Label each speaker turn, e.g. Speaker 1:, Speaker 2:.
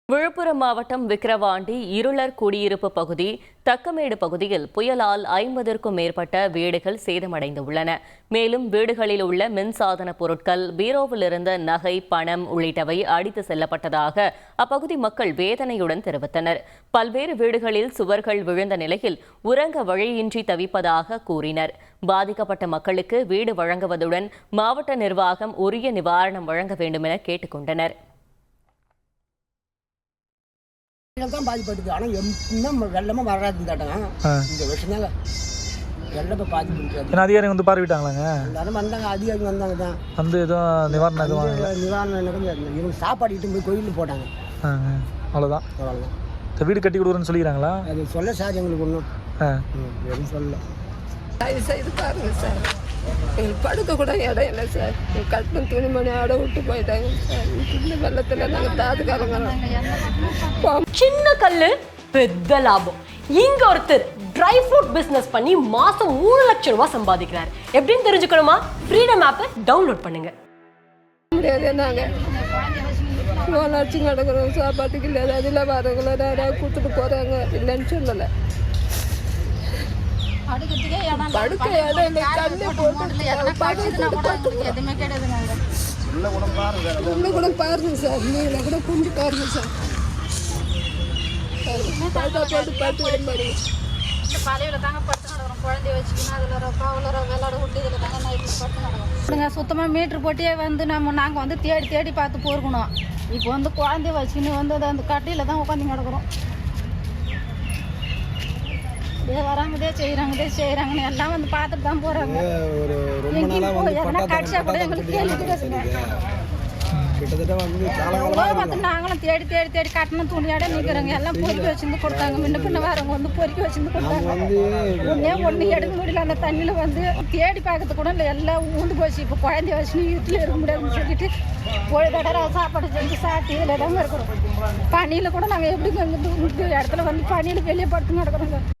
Speaker 1: விழுப்புரம் மாவட்டம் விக்கிரவாண்டி இருளர் குடியிருப்பு பகுதி தக்கமேடு பகுதியில் புயலால் 50க்கும் மேற்பட்ட வீடுகள் சேதமடைந்துள்ளன. மேலும் வீடுகளில் உள்ள மின்சாதன பொருட்கள், பீரோவில் இருந்த நகை, பணம் உள்ளிட்டவை அடித்து செல்லப்பட்டதாக அப்பகுதி மக்கள் வேதனையுடன் தெரிவித்தனர். பல்வேறு வீடுகளில் சுவர்கள் விழுந்த நிலையில் உறங்க வழியின்றி தவிப்பதாக கூறினர். பாதிக்கப்பட்ட மக்களுக்கு வீடு வழங்குவதுடன் மாவட்ட நிர்வாகம் உரிய நிவாரணம் வழங்க வேண்டும் என கேட்டுக்கொண்டனர்.
Speaker 2: தான் பாதிப்பட்டுது. ஆனால் இன்னும் வெள்ளமாக வராது. இந்த வருஷம் வெள்ளத்தை பாதிப்பு
Speaker 3: அதிகாரிகள் வந்து பார்வையிட்டாங்களாங்க.
Speaker 2: எல்லாரும் வந்தாங்க, அதிகாரிகள் வந்தாங்க தான்
Speaker 3: வந்து எதுவும்
Speaker 2: நிவாரணம் இவங்க சாப்பாடு இட்டு போய் கோயிலில் போட்டாங்க.
Speaker 3: அவ்வளோதான். வீடு கட்டி கொடுக்குறேன்னு சொல்லிக்கிறாங்களா?
Speaker 2: அது சொல்ல சார் எங்களுக்கு ஒன்றும் எதுவும் சொல்லல.
Speaker 4: இது பாருங்க சார், எங்களுக்கு படுக்க கூட இடம் இல்லை சார். கட்டணம் துணிமணி ஆட விட்டு போயிட்டாங்க சார். இந்த வெள்ளத்தில் நாங்கள் தாதுக்காரங்க.
Speaker 5: சின்ன கல்லு பெரிய லாபம். இங்க ஒருத்தர் ட்ரை ஃப்ரூட் பிசினஸ் பண்ணி மாசம் 3 லட்சம் ரூபாய் சம்பாதிக்கிறார். எப்படின்னு தெரிஞ்சுக்கணுமா? ஃப்ரீடம் ஆப்பை டவுன்லோட் பண்ணுங்க.
Speaker 4: முடியாது, நாங்கள் லோன் அடிச்சு கிடக்குறோம். சாப்பாட்டுக்கு இல்லை, அதில் வரவங்கள நிறையா கொடுத்துட்டு போகிறாங்க. இல்லைன்னு சொல்லலை. படுக்க இடம் இல்லை, தண்ணி உள்ள கூட பாருங்க சார், நீங்கள கூட கொஞ்சம் பாருங்க சார்.
Speaker 6: சுத்தமாக மீட்ரு போட்டியே வந்து நாங்கள் வந்து தேடி தேடி பார்த்து போயிருக்கணும். இப்போ வந்து குழந்தைய வச்சுக்கின்னு வந்து அந்த கட்டையில் தான் உட்காந்து கிடக்குறோம். வராங்கதே செய்கிறாங்கன்னு எல்லாம் வந்து பார்த்துட்டு தான் போகிறாங்க. எதனா கடிச்சா கூட எங்களுக்கு நாங்களும் தேடி தேடி தேடி கட்டணம் துணியாட நிற்கிறோங்க. எல்லாம் பொறுக்கி வச்சுருந்து கொடுத்தாங்க. முன்ன பின்ன வரவங்க வந்து பொறுக்கி வச்சுருந்து கொடுத்தாங்க. ஒன்று எடுக்க முடியல. அந்த தண்ணியில் வந்து தேடி பார்க்கறது கூட இல்லை, எல்லாம் ஊண்டு போச்சு. இப்போ குழந்தைய வச்சுன்னு வீட்டில் இருக்க முடியாதுன்னு சொல்லிட்டு ஒரு தடவை சாப்பாடு செஞ்சு சாப்பிட்டு இதில் தாங்க இருக்கிறோம். பனியில் கூட நாங்கள் எப்படி இடத்துல வந்து பனியில் வெளியே படுத்து கிடக்குறோங்க.